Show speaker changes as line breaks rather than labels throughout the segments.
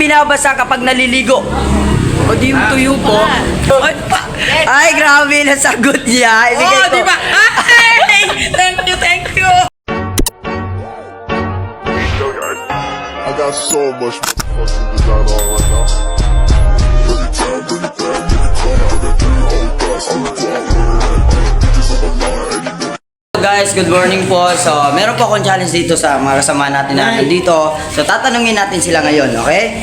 binabasa kapag naliligo?
O di yung tuyo po.
Ay, grabe na sagot niya. Ibigay ko.
Di ba? Ay! Thank you, thank you.
I got so much motherfucking design on right now. Bring it down, bring it down, make it clap. I got 3 whole thoughts on the block. Bitches on the line, and you know.
Guys, good morning po. So, meron po akong challenge dito sa mga kasama natin na dito. So, tatanungin natin sila ngayon, okay?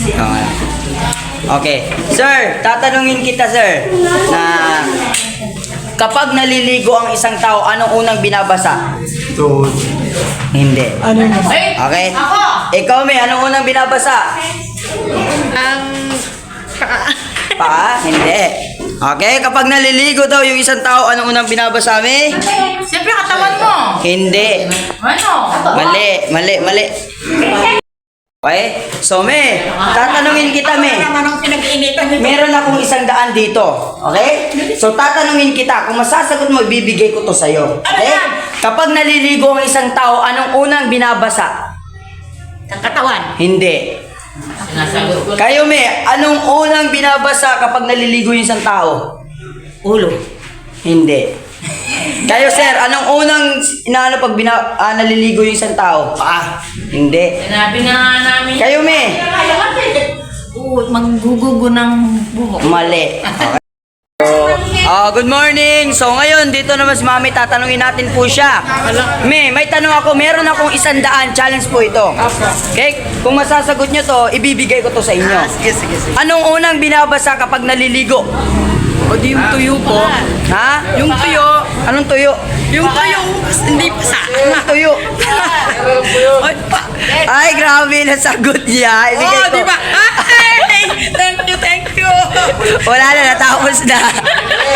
Okay. Sir, tatanungin kita, sir, na kapag naliligo ang isang tao, anong unang binabasa?
Tuhod.
Hindi.
Ano yun?
Okay?
Ako!
Ikaw, May, anong unang binabasa?
Ang...
Paa? Hindi. Okay, kapag naliligo daw yung isang tao, anong unang binabasa, May?
Siyempre katawan mo.
Hindi.
Ano?
Mali. Okay? So, May, tatanungin kita, May.
Naman ang pinag-iinitan nito.
Meron akong 100 dito. Okay? So, tatanungin kita. Kung masasagot mo, ibibigay ko to sa'yo. Okay? Kapag naliligo ang isang tao, anong unang binabasa?
Ang katawan.
Hindi.
Sinasagot ko.
Kayo, May, anong unang binabasa kapag naliligo yung isang tao?
Ulo.
Hindi. Kayo, sir, anong unang inaano pag naliligo yung isang tao? Hindi.
Sinabi na nga namin.
Kayo, May.
Maggugugo ng buhok.
Mali. Okay. Good morning. So ngayon, dito naman si Mami, tatanungin natin po siya. May tanong ako, meron akong 100 challenge po ito. Okay? Kung masasagot nyo to, ibibigay ko to sa inyo.
Sige.
Anong unang binabasa kapag naliligo?
O di yung tuyo po.
Ha?
Yung tuyo.
Anong tuyo?
Yung tuyo. Hindi pa sa.
Anong tuyo? Ay, grabe na sagot niya. Ibigay ko.
Di ba? Ay! Thank you, thank you.
Wala na, natapos na.